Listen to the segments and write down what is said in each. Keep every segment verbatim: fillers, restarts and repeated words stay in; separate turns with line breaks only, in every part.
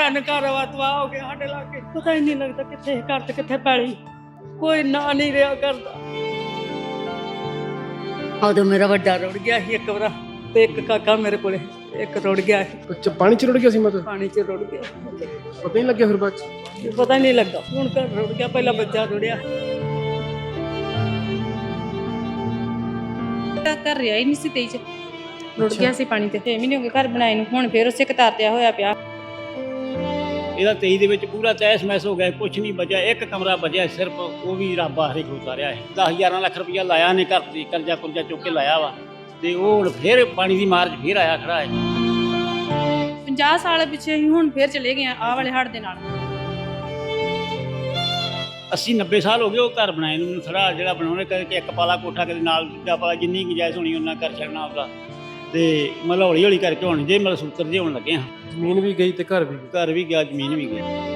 ਤਿੰਨ ਘਰ ਤਬਾਹ ਹੋ ਗਏ ਸਾਡੇ ਲਾਗੇ। ਪਤਾ ਹੀ ਨਹੀਂ ਲੱਗਦਾ ਕਿੱਥੇ ਘਰ ਤੇ ਕਿੱਥੇ ਪੈਲੀ, ਕੋਈ ਨਾਂ ਨਹੀਂ ਰਿਹਾ ਕਰਦਾ। ਉਦੋਂ ਮੇਰਾ ਵੱਡਾ ਰੁੜ ਗਿਆ ਸੀ ਇੱਕ ਵਾਰ, ਤੇ ਇੱਕ ਕਾਕਾ ਮੇਰੇ ਕੋਲੇ, ਇੱਕ ਰੁੜ ਗਿਆ ਸੀ।
ਅੱਛਾ, ਪਾਣੀ ਚ ਰੁੜ ਗਿਆ ਸੀ ਮਤਲਬ?
ਪਾਣੀ ਚ ਰੁੜ ਗਿਆ,
ਪਤਾ ਨਹੀਂ ਲੱਗਿਆ ਫਿਰ ਬਾਅਦ ਚ?
ਪਤਾ ਹੀ ਨਹੀਂ ਲੱਗਾ। ਹੁਣ ਘਰ ਰੁੜ ਗਿਆ, ਪਹਿਲਾਂ ਬੱਚਾ ਰੁੜਿਆ।
ਘਰ ਰਿਹਾ ਹੀ ਨਹੀਂ ਸੀ, ਤੇਈ ਚ ਰੁੜ ਗਿਆ ਸੀ ਪਾਣੀ ਤੇ। ਛੇ ਮਹੀਨੇ ਹੋ ਗਏ ਘਰ ਬਣਾਏ ਨੂੰ, ਹੁਣ ਫੇਰ ਉਸੇ ਕਤਾਰ ਤੇ ਹੋਇਆ ਪਿਆ।
ਇਹਦਾ ਤੇਈ ਦੇ ਵਿੱਚ ਪੂਰਾ ਤੈਸ ਮੈਸ ਹੋ ਗਿਆ, ਕੁਛ ਨਹੀਂ ਬਚਿਆ। ਇੱਕ ਕਮਰਾ ਬਚਿਆ ਸਿਰਫ, ਉਹ ਵੀ ਰੱਬ ਆਖਰੀ ਖੋਤਾ ਰਿਹਾ ਹੈ। ਦਸ ਗਿਆਰਾਂ ਲੱਖ ਰੁਪਇਆ ਲਾਇਆ ਨੇ ਘਰ ਤੇ, ਕਰਜ਼ਾ ਕੁਰਜ਼ਾ ਚੁੱਕ ਕੇ ਲਾਇਆ ਵਾ, ਤੇ ਉਹ ਹੁਣ ਫੇਰ ਪਾਣੀ ਦੀ ਮਾਰ 'ਚ ਫੇਰ ਆਇਆ ਖੜਾ ਹੈ।
ਪੰਜਾਹ ਸਾਲ ਪਿੱਛੇ ਹੀ ਹੁਣ ਫੇਰ ਚਲੇ ਗਏ ਆਹ ਵਾਲੇ ਹੜ੍ਹ ਦੇ ਨਾਲ।
ਅੱਸੀ ਨੱਬੇ ਸਾਲ ਹੋ ਗਏ ਉਹ ਘਰ ਬਣਾਏ ਨੂੰ। ਥੜਾ ਜਿਹੜਾ ਬਣਾਉਣੇ ਕਿ ਇੱਕ ਪਾਲਾ ਕੋਠਾ ਕਦੇ ਨਾਲ ਦੂਜਾ ਪਾਲਾ, ਜਿੰਨੀ ਗੁੰਜਾਇਸ਼ ਹੋਣੀ ਉਹਨਾਂ ਕਰ ਛੱਡਣਾ ਉਹਦਾ, ਤੇ ਮਤਲਬ ਹੌਲੀ ਹੌਲੀ ਕਰਕੇ ਹੁਣ ਜੇ ਮਤਲਬ ਸੂਤਰ ਜੇ ਹੋਣ ਲੱਗੇ ਹਾਂ।
ਜ਼ਮੀਨ ਵੀ ਗਈ ਤੇ ਘਰ ਵੀ ਗਈ।
ਘਰ ਵੀ ਗਿਆ, ਜ਼ਮੀਨ ਵੀ ਗਈ।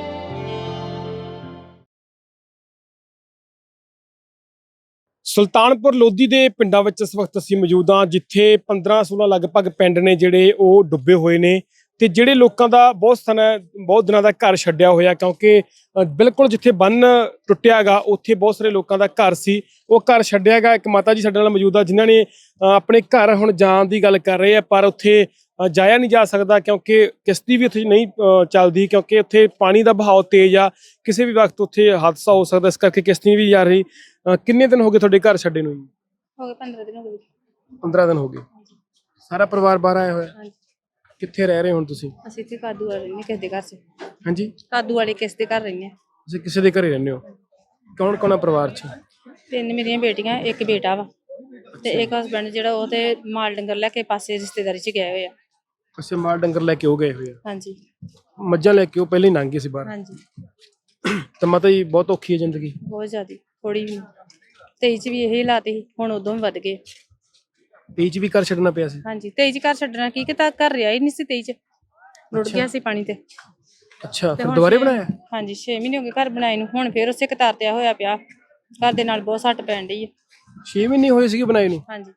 ਸੁਲਤਾਨਪੁਰ ਲੋਧੀ ਦੇ ਪਿੰਡਾਂ ਵਿੱਚ ਇਸ ਵਕਤ ਅਸੀਂ ਮੌਜੂਦ ਹਾਂ, ਜਿੱਥੇ ਪੰਦਰਾਂ ਸੋਲਾਂ ਲਗਭਗ ਪਿੰਡ ਨੇ ਜਿਹੜੇ ਉਹ ਡੁੱਬੇ ਹੋਏ ਨੇ, ਤੇ ਜਿਹੜੇ ਲੋਕਾਂ ਦਾ ਬਹੁਤ ਸਮਾਂ ਬਹੁਤ ਦਿਨਾਂ ਦਾ ਘਰ ਛੱਡਿਆ ਹੋਇਆ, ਕਿਉਂਕਿ ਬਿਲਕੁਲ ਜਿੱਥੇ ਬੰਨ ਟੁੱਟਿਆ ਗਾ ਉੱਥੇ ਬਹੁਤ ਸਾਰੇ ਲੋਕਾਂ ਦਾ ਘਰ ਸੀ, ਉਹ ਘਰ ਛੱਡਿਆ ਗਾ। ਇੱਕ ਮਾਤਾ ਜੀ ਸਾਡੇ ਨਾਲ ਮੌਜੂਦ ਆ ਜਿਨ੍ਹਾਂ ਨੇ ਆਪਣੇ ਘਰ ਹੁਣ ਜਾਣ ਦੀ ਗੱਲ ਕਰ ਰਹੇ ਆ, ਪਰ ਉੱਥੇ ਜਾਇਆ ਨਹੀਂ ਜਾ ਸਕਦਾ ਕਿਉਂਕਿ ਕਿਸ਼ਤੀ ਵੀ ਉੱਥੇ ਨਹੀਂ ਚੱਲਦੀ, ਕਿਉਂਕਿ ਉੱਥੇ ਪਾਣੀ ਦਾ ਬਹਾਅ ਤੇਜ਼ ਆ, ਕਿਸੇ ਵੀ ਵਕਤ ਉੱਥੇ ਹਾਦਸਾ ਹੋ ਸਕਦਾ, ਇਸ ਕਰਕੇ ਕਿਸ਼ਤੀ ਵੀ ਜਾ ਰਹੀ। ਕਿੰਨੇ ਦਿਨ ਹੋ ਗਏ ਤੁਹਾਡੇ ਘਰ ਛੱਡੇ ਨੂੰ?
ਹੋ ਗਏ ਪੰਦਰਾਂ ਦਿਨ ਹੋ ਗਏ।
ਪੰਦਰਾਂ ਦਿਨ ਹੋ ਗਏ। ਸਾਰਾ ਪਰਿਵਾਰ ਬਾਹਰ ਆਇਆ ਹੋਇਆ?
ਹਾਂਜੀ।
ਕਿੱਥੇ ਰਹਿ ਰਹੇ ਹੁਣ ਤੁਸੀਂ?
ਅਸੀਂ ਇੱਥੇ ਕਾਦੂ ਵਾਲੇ ਰਹਿੰਦੇ, ਕਿਸ ਦੇ ਘਰ 'ਚ।
ਹਾਂਜੀ,
ਕਾਦੂ ਵਾਲੇ ਕਿਸ ਦੇ ਘਰ ਰਹਿੰਦੇ।
ਤੁਸੀਂ ਕਿਸੇ ਦੇ ਘਰੇ ਰਹਿੰਦੇ ਹੋ? ਕੌਣ ਕੌਣ ਆ ਪਰਿਵਾਰ 'ਚ?
ਤਿੰਨ ਮੇਰੀਆਂ ਬੇਟੀਆਂ, ਇੱਕ ਬੇਟਾ ਵਾ, ਤੇ ਇੱਕ ਹਸਬੈਂਡ ਜਿਹੜਾ ਉਹ ਤੇ ਮਾਲ ਡੰਗਰ ਲੈ ਕੇ ਪਾਸੇ ਰਿਸ਼ਤੇਦਾਰੀ 'ਚ ਗਏ ਹੋਏ ਆ।
ਅੱਛਾ, ਮਾਲ ਡੰਗਰ ਲੈ ਕੇ ਉਹ ਗਏ ਹੋਏ ਆ?
ਹਾਂਜੀ।
ਮੱਝਾਂ ਲੈ ਕੇ ਉਹ ਪਹਿਲਾਂ ਹੀ ਲੰਘ ਗਏ ਸੀ ਬਾਹਰ?
ਹਾਂਜੀ।
ਤਾਂ ਮਾਤਾ ਜੀ ਬਹੁਤ ਔਖੀ ਹੈ ਜ਼ਿੰਦਗੀ?
ਬਹੁਤ ਜ਼ਿਆਦਾ, ਥੋੜੀ ਵੀ। ਤੇਈ ਚ ਵੀ ਇਹੀ ਹਾਲਾਤ ਸੀ, ਹੁਣ ਉਦੋਂ ਵੀ ਵੱਧ ਗਏ।
ਤੇਈ ਚ ਵੀ ਘਰ ਛੱਡਣਾ ਪਿਆ ਸੀ?
ਹਾਂਜੀ, ਤੇਈ ਚ ਘਰ ਛੱਡਣਾ ਕੀ, ਕਿਤਾ ਘਰ ਰਿਹਾ ਹੀ ਨਹੀਂ ਸੀ। ਤੇਈ ਚ ਰੁੜ ਗਿਆ ਸੀ ਪਾਣੀ ਤੇ।
ਅੱਛਾ, ਫਿਰ ਦੁਬਾਰੇ ਬਣਾਇਆ?
ਹਾਂਜੀ, ਛੇ ਮਹੀਨੇ ਹੋ ਗਏ ਘਰ ਬਣਾਏ ਨੂੰ, ਹੁਣ ਫੇਰ ਉਸੇ ਕਤਾਰ ਤੇ ਹੋਇਆ ਪਿਆ। ਘਰ ਦੇ ਨਾਲ ਬਹੁਤ ਸੱਟ ਪੈਣ ਡਈ ਹੈ।
ਛੇ ਮਹੀਨੇ ਹੋਏ ਸੀਗੇ ਬਣਾਏ ਨੂੰ?
ਹਾਂਜੀ।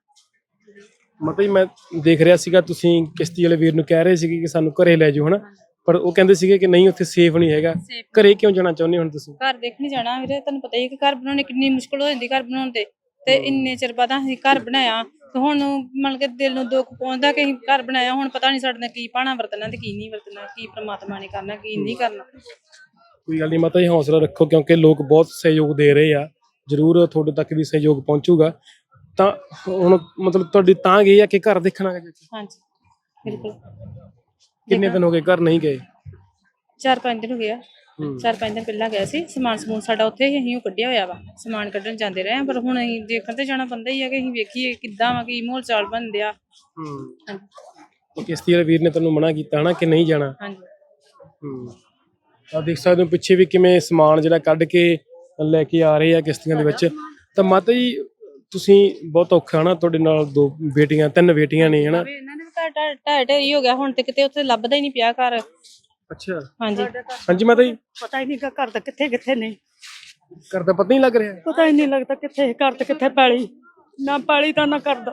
ਮਤਲਬ ਮੈਂ ਦੇਖ ਰਿਹਾ ਸੀਗਾ ਤੁਸੀਂ ਕਿਸ਼ਤੀ ਵਾਲੇ ਵੀਰ ਨੂੰ ਕਹਿ ਰਹੇ ਸੀਗੇ ਕਿ ਸਾਨੂੰ ਘਰੇ ਲੈ ਜਾਓ, ਹਨਾ, ਪਰ ਉਹ ਕਹਿੰਦੇ ਸੀਗੇ ਕਿ ਨਹੀਂ ਉੱਥੇ ਸੇਫ ਨਹੀਂ ਹੈਗਾ। ਘਰੇ ਕਿਉਂ ਜਾਣਾ ਚਾਹੁੰਦੇ ਹੁਣ ਤੁਸੀਂ?
ਘਰ ਦੇਖ ਨਹੀਂ ਜਾਣਾ ਵੀਰੇ, ਤੁਹਾਨੂੰ ਪਤਾ ਹੀ ਕਿ ਘਰ ਬਣਾਉਣੇ ਕਿੰਨੀ ਮੁਸ਼ਕਲ ਹੋ ਜਾਂਦੀ ਘਰ ਬਣਾਉਣ ਤੇ ਤੇ ਇੰਨੇ ਚਿਰ ਬਾਅਦ ਅਸੀਂ ਘਰ ਬਣਾਇਆ, ਤੇ ਹੁਣ ਮਤਲਬ ਕਿ ਦਿਲ ਨੂੰ ਦੁੱਖ ਪਹੁੰਚਦਾ ਕਿ ਅਸੀਂ ਘਰ ਬਣਾਇਆ, ਹੁਣ ਪਤਾ ਨਹੀਂ ਸਾਡੇ ਨਾਲ ਕੀ ਪਾਣਾ ਵਰਤਣਾ ਤੇ ਕੀ ਨਹੀਂ ਵਰਤਣਾ, ਕੀ ਪ੍ਰਮਾਤਮਾ ਨੇ ਕਰਨਾ ਕੀ ਨਹੀਂ ਕਰਨਾ।
ਕੋਈ ਗੱਲ ਨਹੀਂ ਮਾਤਾ ਜੀ, ਹੌਸਲਾ ਰੱਖੋ, ਕਿਉਂਕਿ ਲੋਕ ਬਹੁਤ ਸਹਿਯੋਗ ਦੇ ਰਹੇ ਆ, ਜ਼ਰੂਰ ਤੁਹਾਡੇ ਤੱਕ ਵੀ ਸਹਿਯੋਗ ਪਹੁੰਚੂਗਾ। ਤਾਂ ਹੁਣ ਮਤਲਬ ਤੁਹਾਡੀ ਤਾਂ ਗਈ ਆ ਕਿ ਘਰ ਦੇਖਣਾ?
ਹਾਂਜੀ, ਬਿਲਕੁਲ।
ਕਿੰਨੇ ਦਿਨ ਹੋ ਗਏ ਘਰ ਨਹੀਂ ਗਏ?
ਚਾਰ ਪੰਜ ਦਿਨ ਹੋ ਗਏ ਆ। ਚਾਰ ਪੰਜ ਦਿਨ ਪਹਿਲਾਂ ਗਿਆ ਸੀ। ਸਮਾਨ ਸਮੂਨ ਸਾਡਾ ਉੱਥੇ ਹੀ ਅਸੀਂ ਉਹ ਕੱਢਿਆ ਹੋਇਆ ਵਾ, ਸਮਾਨ ਕੱਢਣ ਜਾਂਦੇ ਰਹੇ, ਪਰ ਹੁਣ ਅਸੀਂ ਦੇਖਣ ਤੇ ਜਾਣਾ ਪੈਂਦਾ ਹੀ ਆ ਕਿ ਅਸੀਂ ਵੇਖੀਏ ਕਿੱਦਾਂ ਵਾ, ਕੀ ਮਾਹੌਲ ਚਾਲ ਬਣਦੇ ਆ।
ਹੂੰ, ਕਿਸ਼ਤੀ ਵਾਲੇ ਵੀਰ ਨੇ ਤੁਹਾਨੂੰ ਮਨਾ ਕੀਤਾ ਹਨਾ ਕਿ ਨਹੀਂ ਜਾਣਾ?
ਹਾਂਜੀ।
ਹੂੰ, ਆ ਦੇਖ ਸਕਦੇ ਹੋ ਪਿੱਛੇ ਵੀ ਕਿਵੇਂ ਸਮਾਨ ਜਿਹੜਾ ਕੱਢ ਕੇ ਲੈ ਕੇ ਆ ਰਹੇ ਆ ਕਿਸ਼ਤੀਆਂ ਦੇ ਵਿੱਚ। ਤਾਂ ਮਾਤਾ ਜੀ ਤੁਸੀਂ ਬਹੁਤ ਔਖਾ ਹਨਾ, ਤੁਹਾਡੇ ਨਾਲ ਦੋ ਬੇਟੀਆਂ, ਤਿੰਨ ਬੇਟੀਆਂ ਨੇ ਹਨਾ?
ਇਹਨਾਂ ਦੇ ਵੀ ਘਰ ਢਾਹ ਢੇਰੀ ਹੋ ਗਿਆ, ਹੁਣ ਤੇ ਕਿਤੇ ਉੱਥੇ ਲੱਭਦਾ ਹੀ ਨਹੀਂ ਪਿਆ ਘਰ।
ਅੱਛਾ।
ਹਾਂਜੀ।
ਹਾਂਜੀ ਮਾਤਾ ਜੀ,
ਪਤਾ ਹੀ ਨਹੀਂ ਘਰ ਦਾ ਕਿੱਥੇ ਕਿੱਥੇ ਨਹੀਂ,
ਘਰ ਦਾ ਪਤਾ ਨਹੀਂ ਲੱਗ ਰਿਹਾ?
ਪਤਾ ਹੀ ਨਹੀਂ ਲੱਗਦਾ ਕਿੱਥੇ ਘਰ ਤੇ ਕਿੱਥੇ ਪੈਲੀ, ਨਾ ਪੈਲੀ ਤਾਂ ਨਾ ਕਰਦਾ।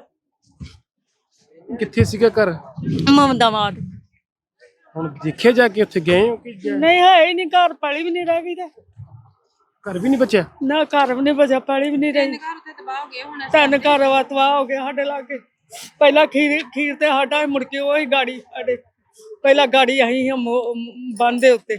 ਕਿੱਥੇ ਸੀਗਾ ਘਰ?
ਮਮਦਾਵਾਦ।
ਹੁਣ ਦੇਖਿਆ ਜਾ ਕੇ ਉੱਥੇ ਗਏ ਹੋ ਕਿ ਜਾਂ-
ਨਹੀਂ ਹੈ ਹੀ ਨਹੀਂ ਘਰ, ਪੈਲੀ ਵੀ ਨਹੀਂ ਰਹਿ ਗਈ ਤੇ
ਘਰ ਵੀ ਨਹੀਂ ਬਚਿਆ?
ਨਾ ਘਰ ਵੀ ਨਹੀਂ ਬਚਿਆ, ਪੈਲੀ ਵੀ ਨਹੀਂ ਰਹੀ।
ਘਰ ਉੱਥੇ ਤਬਾਹ ਹੋ ਗਏ ਹੁਣ।
ਤਿੰਨ ਘਰ ਤਬਾਹ ਹੋ ਗਏ ਸਾਡੇ ਲਾਗੇ। ਪਹਿਲਾਂ ਖੀਰ ਖੀਰ ਤੇ ਸਾਡਾ ਮੁੜ ਕੇ ਉਹੀ ਗਾੜੀ, ਸਾਡੇ ਪਹਿਲਾਂ ਗਾੜੀ ਅਸੀਂ ਬੰਨ ਦੇ ਉੱਤੇ।